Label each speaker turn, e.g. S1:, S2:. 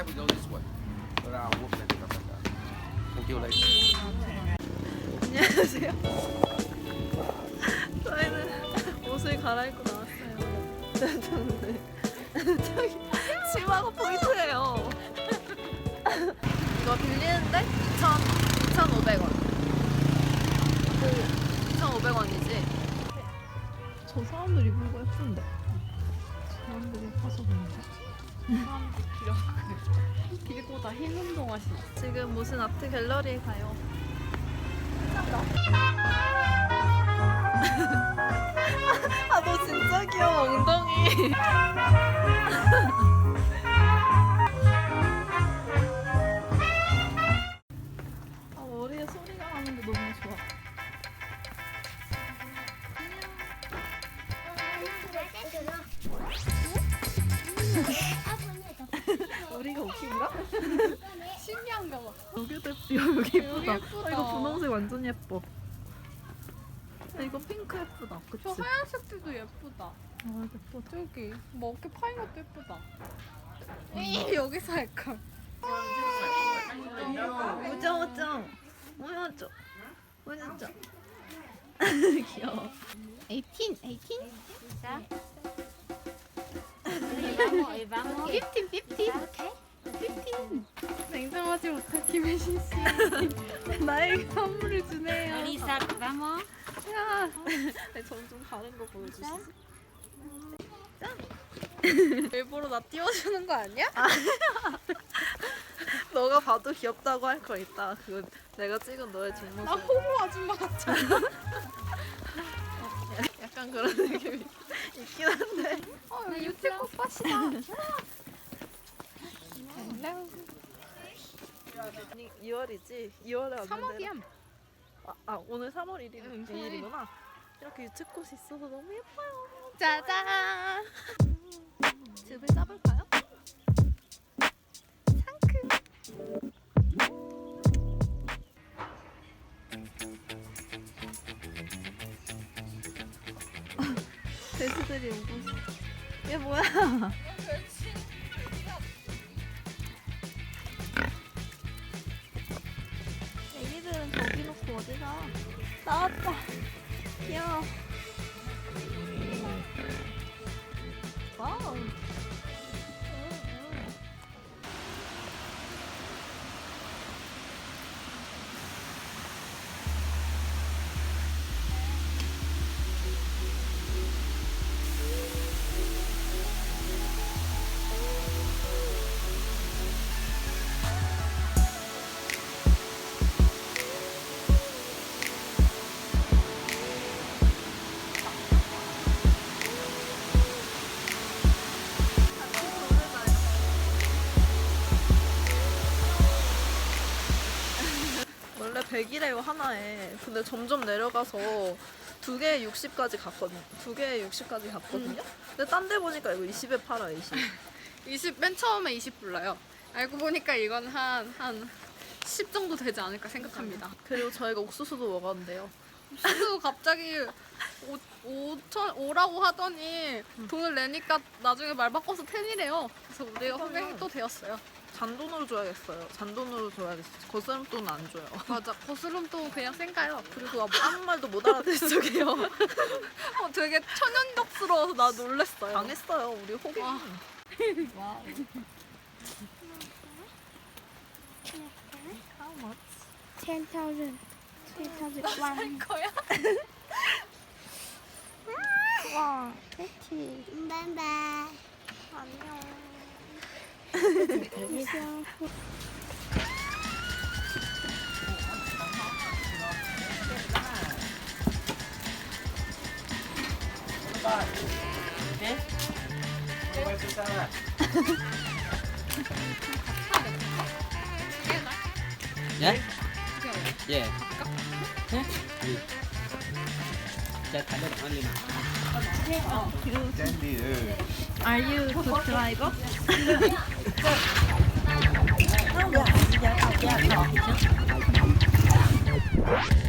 S1: That we go this way. But I'll whoop that stuff like that. Thank you, lady.
S2: 안녕하세요. 저희는 옷을 갈아입고 나왔어요. 저기 치마가 포인트예요. 이거 빌리는데 2,500원. 2,500원이지. 저 사람들 입은 거 예쁜데. 사람들이 예뻐서 그런가? 사람들 길고 다 흰 운동 하시나? 지금 무슨 아트 갤러리에 가요. 아, 너 진짜 귀여워, 엉덩이. 아, 머리에 소리가 나는데 너무 좋아. 머리가 웃긴가?
S3: 신기한가 봐.
S2: 여기도 여기 예쁘다.
S3: 여기 예쁘다.
S2: 아, 이거 분홍색 완전 예뻐. 아, 이거 핑크 예쁘다. 그치?
S3: 저 하얀색도 예쁘다.
S2: 아, 예쁘다.
S3: 저기 뭐 어깨 파인 것도 예쁘다. 여기서 할까?
S2: 우정우정. 우정우정. 우정우정. 귀여워.
S3: 18, 18?
S4: ¿Ya? Y vamos.
S3: 15, 15.
S4: Okay.
S3: 15. 냉정하지 못한 김혜신 씨. 나에게 선물을 주네요.
S4: Marisa, vamos.
S3: 야,
S2: 점점 다른 거 보여주시지.
S3: 일부러 나 띄워주는 거 아니야?
S2: 너가 봐도 귀엽다고 할 거 있다. 그거 내가 찍은 너의 뒷모습.
S3: 나 호모 아줌마 같잖아.
S2: 약간 그런 느낌이 있긴 한데.
S3: 여기 유채 꽃밭이다.
S2: 아니 2월이지? 2월에 왔는데.
S3: 3월이야.
S2: 오늘 3월 1일,
S3: 응,
S2: 2일이구나. 이렇게 유채꽃이 있어서 너무 예뻐요.
S3: 짜잔.
S2: 즙을 짜볼까요? 돼지들이 오고 있어. 얘 뭐야? 애기들은 저기 놓고 어디 가? 나왔다. 귀여워. 와우. 원래 100이래요 하나에. 근데 점점 내려가서 2개에 60까지 갔거든요. 2개에 60까지 갔거든요. 근데 딴 데 보니까 이거 20에 팔아. 20.
S3: 20, 맨 처음에 20 불러요. 알고 보니까 이건 한 10 정도 되지 않을까 생각합니다.
S2: 그리고 저희가 옥수수도 먹었는데요.
S3: 그래서 갑자기 5라고 하더니 돈을 내니까 나중에 말 바꿔서 10이래요. 그래서 우리가 후배가 또 되었어요.
S2: 잔돈으로 줘야겠어요. 잔돈으로 줘야겠어요. 거스름돈은 안 줘요.
S3: 맞아. 거스름도 그냥 쌩까요.
S2: 그리고 아무 말도 못 알아듣을 적이에요.
S3: 되게 천연덕스러워서 나 놀랬어요.
S2: 당했어요. 우리 호갱.
S3: 와.
S2: 와우. How much?
S4: 10,000. 10,001.
S3: 거야?
S2: 와,
S4: 그치. 바이바이.
S2: 안녕.
S4: 안녕.
S5: Yeah? Yeah. Huh? Just a little only now.
S2: Are you good driver?
S5: Yeah.